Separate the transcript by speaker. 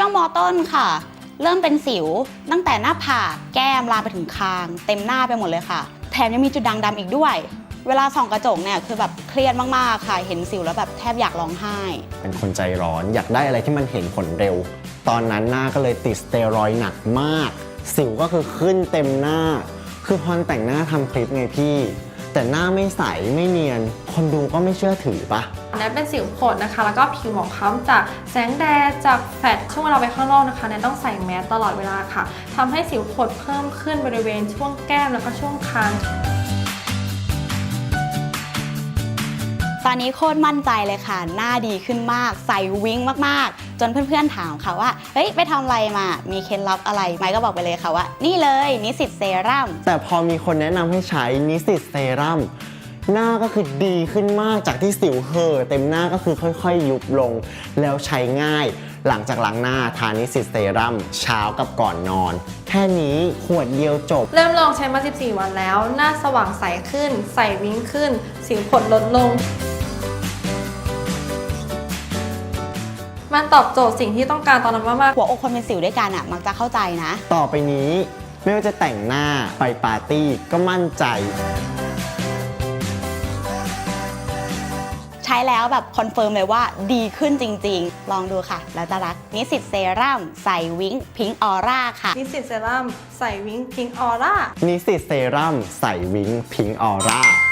Speaker 1: วงม.ต้นค่ะเริ่มเป็นสิวตั้งแต่หน้าผากแก้มลามไปถึงคางเต็มหน้าไปหมดเลยค่ะแถมยังมีจุดด่างดำอีกด้วยเวลาส่องกระจกเนี่ยคือแบบเครียดมากๆค่ะเห็นสิวแล้วแบบแทบอยากร้องไห้
Speaker 2: เป็นคนใจร้อนอยากได้อะไรที่มันเห็นผลเร็วตอนนั้นหน้าก็เลยติดสเตียรอยด์หนักมากสิวก็คือขึ้นเต็มหน้าคือพอแต่งหน้าทำคลิปไงพี่แต่หน้าไม่ใสไม่เนียนคนดูก็ไม่เชื่อถือปะ
Speaker 3: แนทเป็นสิวผดนะคะแล้วก็ผิวหมองคล้ำจากแสงแดดจากแฟลชช่วงเวลาไปข้างนอกนะคะแนทต้องใส่แมสตลอดเวลาค่ะทำให้สิวผดเพิ่มขึ้นบริเวณช่วงแก้มแล้วก็ช่วงคาง
Speaker 1: ตอนนี้โคตรมั่นใจเลยค่ะหน้าดีขึ้นมากใส่วิ้งมากๆจนเพื่อนๆถามค่ะว่าเฮ้ยไปทำอะไรมามีเคล็ดลับอะไรไมค์ก็บอกไปเลยค่ะว่านี่เลยนิสสิตเซรั่ม
Speaker 2: แต่พอมีคนแนะนำให้ใช้นิสสิตเซรั่มหน้าก็คือดีขึ้นมากจากที่สิวเห่อเต็มหน้าก็คือค่อยๆยุบลงแล้วใช้ง่ายหลังจากล้างหน้าทานิสสิตเซรั่มเช้ากับก่อนนอนแค่นี้ขวดเดียวจบ
Speaker 3: เริ่มลองใช้มา 14 วันแล้วหน้าสว่างใสขึ้นใส่วิ้งขึ้นสิวผดลดลงมันตอบโจทย์สิ่งที่ต้องการตอนนั้นมาก
Speaker 1: หัวอกคนเป็นสิวด้วยกันมักจะเข้าใจนะ
Speaker 2: ต่อไปนี้ไม่ว่าจะแต่งหน้าไปปาร์ตี้ก็มั่นใจ
Speaker 1: ใช้แล้วแบบคอนเฟิร์มเลยว่าดีขึ้นจริงๆลองดูค่ะแล้วจะรักนิสสิตเซรั่มใส่วิ้งพิงออร่าค่ะ
Speaker 3: นิสสิตเซรั่มใส่วิ้งพิงออร่า
Speaker 2: นิสสิตเซรั่มใส่วิ้งพิงออร่า